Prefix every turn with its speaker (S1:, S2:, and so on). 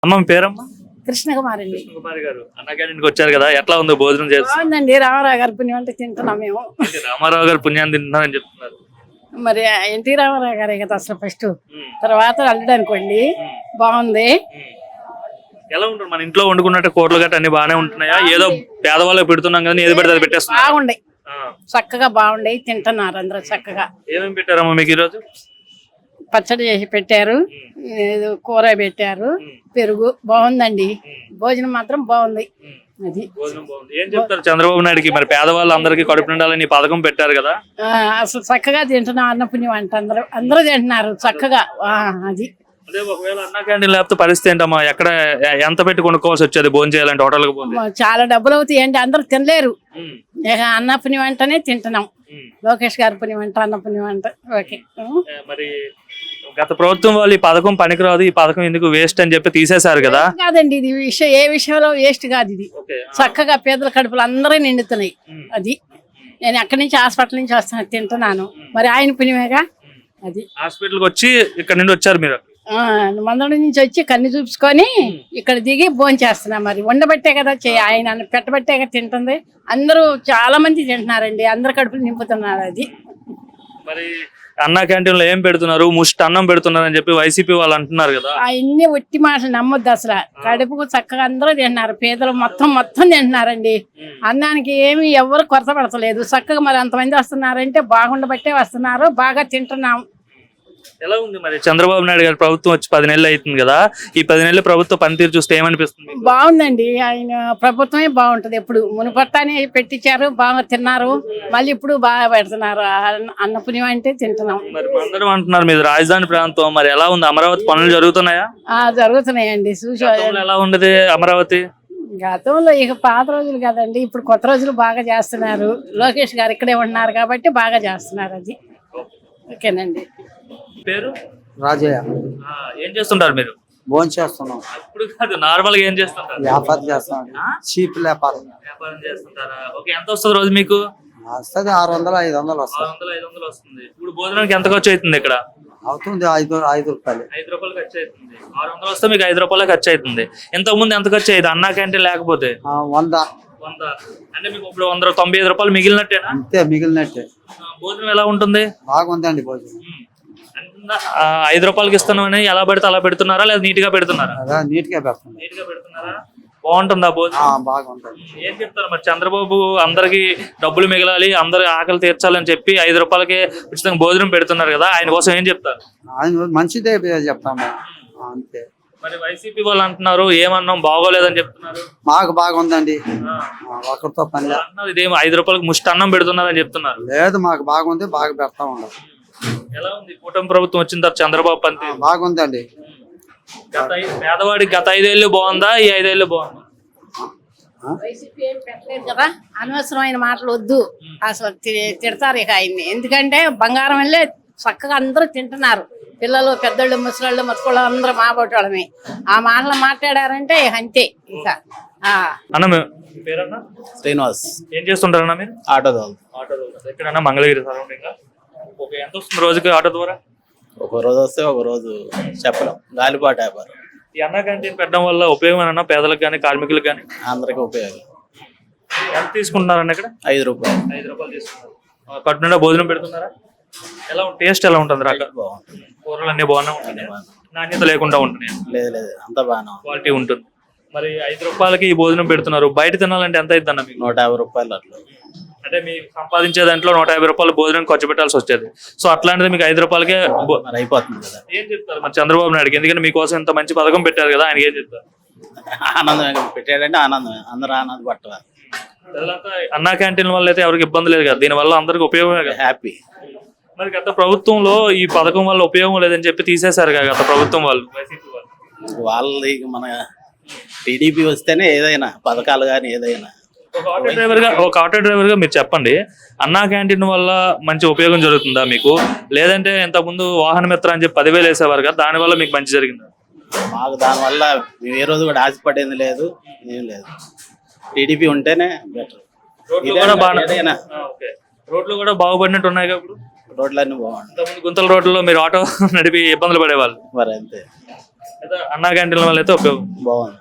S1: అమ్మ మీ పేరమ్మా?
S2: కృష్ణకుమారి అండి.
S1: కృష్ణకుమారి గారు అన్న క్యాంటీన్కి వచ్చారు కదా, ఎట్లా ఉంది భోజనం చేస్తారు?
S2: బాగుందండి. రామారావు గారి పుణ్యం అంటే తింటున్నాం మేము.
S1: రామారావు గారు పుణ్యాన్ని తింటున్నారని చెప్తున్నారు.
S2: మరి ఎన్టీ రామారావు గారే కదా అసలు ఫస్ట్, తర్వాత అల్లుడు అనుకోండి. బాగుంది.
S1: ఎలా ఉంటుంది మన ఇంట్లో వండుకున్నట్టు కూరలు గట్ట అన్ని బాగానే ఉంటున్నాయా? ఏదో పేదవాళ్ళకి పెడుతున్నాం కదా, ఏది పెడితే అది పెట్టేస్తున్నాం.
S2: బాగుండే, చక్కగా బాగుండే, తింటున్నారు అందరూ చక్కగా.
S1: ఏమేమి పెట్టారమ్మా మీకు ఈరోజు?
S2: పచ్చడి చేసి పెట్టారు, కూర పెట్టారు, పెరుగు. బాగుందండి. భోజనం మాత్రం బాగుంది. అది
S1: భోజనం బాగుంది. ఏం చెప్తారు చంద్రబాబు నాయుడుకి? మరి పేదవాళ్ళు అందరికీ కడుపు నిండాలని పథకం పెట్టారు కదా,
S2: అసలు చక్కగా తింటున్నాం. అన్నపుణ్యం అంట అందరూ తింటున్నారు చక్కగా. అది
S1: అదే ఒకవేళ అన్న క్యాంటీన్ లేకపోతే పరిస్థితి ఏంటమ్మా? ఎక్కడ ఎంత పెట్టి కొనుక్కోవాల్సి వచ్చేది భోజనం చేయాలంటే? హోటల్కి పోతే
S2: చాలా డబ్బులు అవుతాయి అండి, అందరూ తినలేరు. అన్నపుణ్యం అంటనే తింటున్నాం. లోకేష్ గారి పుణ్యం అంట, అన్నపుణ్యం అంట. ఓకే.
S1: మరి గత ప్రభుత్వం వాళ్ళు ఈ పథకం పనికిరాదు, ఈ పథకం ఎందుకు వేస్ట్ అని చెప్పి తీసేశారు కదా.
S2: కాదండి, ఇది విషయం ఏ విషయంలో వేస్ట్ కాదు. ఇది చక్కగా పేదల కడుపులు అందరూ నిండుతున్నాయి. అది నేను అక్కడి నుంచి హాస్పిటల్ నుంచి వస్తాను, తింటున్నాను. మరి ఆయన పుణ్యమేగా. అది
S1: హాస్పిటల్కి వచ్చి ఇక్కడ నుండి వచ్చారు మీరు?
S2: మందడం నుంచి వచ్చి కన్ను చూపించుకొని ఇక్కడ దిగి భోజనం చేస్తున్నాం. మరి ఉండబట్టే కదా ఆయన పెట్టబట్టే కదా తింటుంది. అందరూ చాలా మంది తింటున్నారండి, అందరు కడుపులు నింపుతున్నారు. అది
S1: మరి అన్న క్యాంటీన్ లో ఏం పెడుతున్నారు? ముష్టి అన్నం పెడుతున్నారు అని చెప్పి వైసీపీ వాళ్ళు అంటున్నారు కదా.
S2: అన్ని ఒట్టి మాటలు నమ్మొద్దు అసలు. కడుపుకు చక్కగా అందరూ తింటున్నారు, పేదలు మొత్తం తింటున్నారండి. అన్నానికి ఏమి ఎవరు కొరత పడతలేదు. చక్కగా మరి అంతమంది వస్తున్నారంటే బాగుండబట్టే వస్తున్నారు, బాగా తింటున్నాం.
S1: ఎలా ఉంది మరి చంద్రబాబు నాయుడు గారి ప్రభుత్వం వచ్చి 10 నెలలు అవుతుంది కదా, ఈ 10 నెలల ప్రభుత్వ పనితీరు చూస్తే ఏమనిపిస్తుంది?
S2: బాగుందండి. ఆయన ప్రభుత్వమే బాగుంటది. ఎప్పుడు మునుపట్టానే పెట్టించారు, బాగా తిన్నారు. మళ్ళీ ఇప్పుడు బాగా పెడుతున్నారు. అన్నపుణ్యం అంటే తింటున్నాం.
S1: మరి అందరూ అంటున్నారు మీది రాజధాని ప్రాంతం, మరి ఎలా ఉంది? అమరావతి పనులు జరుగుతున్నాయా?
S2: జరుగుతున్నాయండి. చూసి
S1: ఎలా ఉండదు అమరావతి?
S2: గతంలో ఇక పాత రోజులు కదండి, ఇప్పుడు కొత్త రోజులు బాగా చేస్తున్నారు. లోకేష్ గారు ఇక్కడే ఉన్నారు కాబట్టి బాగా చేస్తున్నారు. అది ఓకేనండి.
S1: పేరు
S3: రాజయ్య.
S1: ఏం చేస్తుంటారు మీరు?
S3: భోజనం చేస్తున్నాం.
S1: ఇప్పుడు కాదు, నార్మల్ గా ఏం చేస్తుంటారు?
S3: వ్యాపారం చేస్తున్నాం. చీప్ వ్యాపారం
S1: చేస్తుంటారా? ఓకే. ఎంత వస్తుంది రోజు మీకు?
S3: వస్తుంది 600 500 వస్తుంది.
S1: 600 500 వస్తుంది. ఇప్పుడు భోజనానికి ఎంత ఖర్చు అవుతుంది ఇక్కడ?
S3: అవుతుంది 5 రూపాయలు.
S1: 5 రూపాయలు ఖర్చు అవుతుంది. 600 వస్తే మీకు 5 రూపాయలు ఖర్చు అవుతుంది. ఇంతకు ముందు ఎంత ఖర్చు అయ్యేది అన్నా క్యాంటీన్ లేకపోతే?
S3: 100
S1: అంటే మీకు ఇప్పుడు 195 రూపాయలు మిగిలినట్టేనా?
S3: అంతే, మిగిలినట్టే.
S1: భోజనం ఎలా ఉంటుంది?
S3: బాగుందండి భోజనం.
S1: 5 రూపాయలకి ఇస్తున్నామని ఎలా పెడితే అలా పెడుతున్నారా, లేదా నీట్ గా పెడుతున్నారా?
S3: నీట్ గా పెడుతున్నారు.
S1: నీట్ గా పెడుతున్నారా? బాగుంటుందా భోజనం?
S3: బాగుంటుంది.
S1: ఏం చెప్తారు మరి చంద్రబాబు? అందరికి డబ్బులు మిగలాలి, అందరి ఆకలి తీర్చాలని చెప్పి 5 రూపాయలకి ఉచితంగా భోజనం పెడుతున్నారు కదా, ఆయన కోసం ఏం చెప్తారు?
S3: ఆయన మంచిదే చెప్తాము అంతే.
S1: మరి వైసీపీ వాళ్ళు అంటున్నారు ఏమన్నాం బాగోలేదని చెప్తున్నారు.
S3: మాకు బాగుందండి, ఒకరితో పని లేదు.
S1: ఇదేం 5 రూపాయలకి ముష్టి అన్నం పెడుతున్నారని చెప్తున్నారు.
S3: లేదు, మాకు బాగుంది, బాగా పెడతా ఉండదు.
S1: ఎలా ఉంది కూటమి ప్రభుత్వం వచ్చిన తర్వాత చంద్రబాబు పని?
S3: బాగుందండి.
S1: పేదవాడికి గత 5 ఏళ్ళు బాగుందా, ఈ 5 ఏళ్ళు బాగుందా?
S2: వైసీపీ ఏం పెట్టలేదు కదా, అనవసరమైన మాటలు వద్దు. అసలు తిడతారు ఇక ఆయన్ని. ఎందుకంటే బంగారం వెళ్ళే చక్కగా అందరూ తింటున్నారు. పిల్లలు, పెద్దోళ్ళు, ముసలాళ్ళు, మత్తుకోళ్ళు అందరూ మాబోటి వాళ్ళమే. ఆ మాటలు మాట్లాడారంటే అంతే ఇక.
S1: అన్న పేరన్నా?
S3: శ్రీనివాస్.
S1: ఏం చేస్తుంటారన్నా మీరు?
S3: ఆటో
S1: ఎక్కడన్నా మంగళగిరి సరౌండింగ్? ఓకే. ఎంత వస్తుంది రోజుకి ఆటో ద్వారా?
S3: ఒక రోజు వస్తే ఒక రోజు చెప్పలేం, గాలిపాట వ్యాపారం.
S1: ఈ అన్న క్యాంటీన్ పెట్టడం వల్ల ఉపయోగం అన్న పేదలకు కానీ కార్మికులకు కానీ?
S3: అందరికి ఉపయోగం.
S1: ఎంత తీసుకుంటున్నారన్న ఇక్కడ?
S3: 5 రూపాయలు.
S1: 5 రూపాయలు తీసుకున్నారు. కడుపు నిండా భోజనం పెడుతున్నారా? ఎలా టేస్ట్ ఎలా ఉంటుంది?
S3: బాగుంటుంది.
S1: కూరలు అన్ని బాగానే ఉంటాయి, నాణ్యత లేకుండా ఉంటున్నాయి?
S3: లేదు, అంత బాగా
S1: క్వాలిటీ ఉంటుంది. మరి 5 రూపాయలకి ఈ భోజనం పెడుతున్నారు. బయట తినాలంటే ఎంత అవుతుంది అన్న మీకు?
S3: 150 రూపాయలు అట్లా.
S1: అంటే మీరు సంపాదించే దాంట్లో 150 రూపాయలు భోజనం ఖర్చు పెట్టాల్సి వచ్చేది. సో అట్లాంటిది మీకు 5 రూపాయలకే
S3: అయిపోతుంది కదా.
S1: ఏం చెప్తారు మరి చంద్రబాబు నాయుడుకి? ఎందుకంటే మీకోసం ఇంత మంచి పథకం పెట్టారు కదా, ఆయనకి ఏం చెప్తారు?
S3: ఆనందం పెట్టాడంటే ఆనందం, అందరూ ఆనంద పట్టారు.
S1: అన్నా క్యాంటీన్ వల్ల అయితే ఎవరికి ఇబ్బంది లేదు కదా, దీని వల్ల అందరికి ఉపయోగమే కదా.
S3: హ్యాపీ.
S1: మరి గత ప్రభుత్వంలో ఈ పథకం వల్ల ఉపయోగం లేదని చెప్పి తీసేశారు కదా గత ప్రభుత్వం వాళ్ళు, వైసీపీ వాళ్ళు.
S3: వాళ్ళది మన టీడీపీ వస్తేనే ఏదైనా పథకాలు కానీ ఏదైనా.
S1: ఒక ఆటో డ్రైవర్ గా మీరు చెప్పండి, అన్నా క్యాంటీన్ వల్ల మంచి ఉపయోగం జరుగుతుందా మీకు? లేదంటే ఇంతకుముందు వాహన మిత్ర అని చెప్పి 10,000 వేసేవారు కదా, దాని వల్ల మీకు మంచి జరిగిందా?
S3: మాకు దానివల్ల మేము ఏ రోజు కూడా ఆశపడేది లేదు, ఏం లేదు. టీడీపీ ఉంటేనే బెటర్.
S1: రోడ్లు కూడా బాగుపడినట్టు ఉన్నాయి కదా ఇప్పుడు?
S3: రోడ్లన్నీ బాగుంటాయి.
S1: గుంతల రోడ్లలో మీరు ఆటో నడిపి ఇబ్బందులు పడేవాళ్ళు
S3: మరి అంతే.
S1: అయితే అన్నా క్యాంటీన్ల వల్ల అయితే ఉపయోగం.
S3: బాగుంది.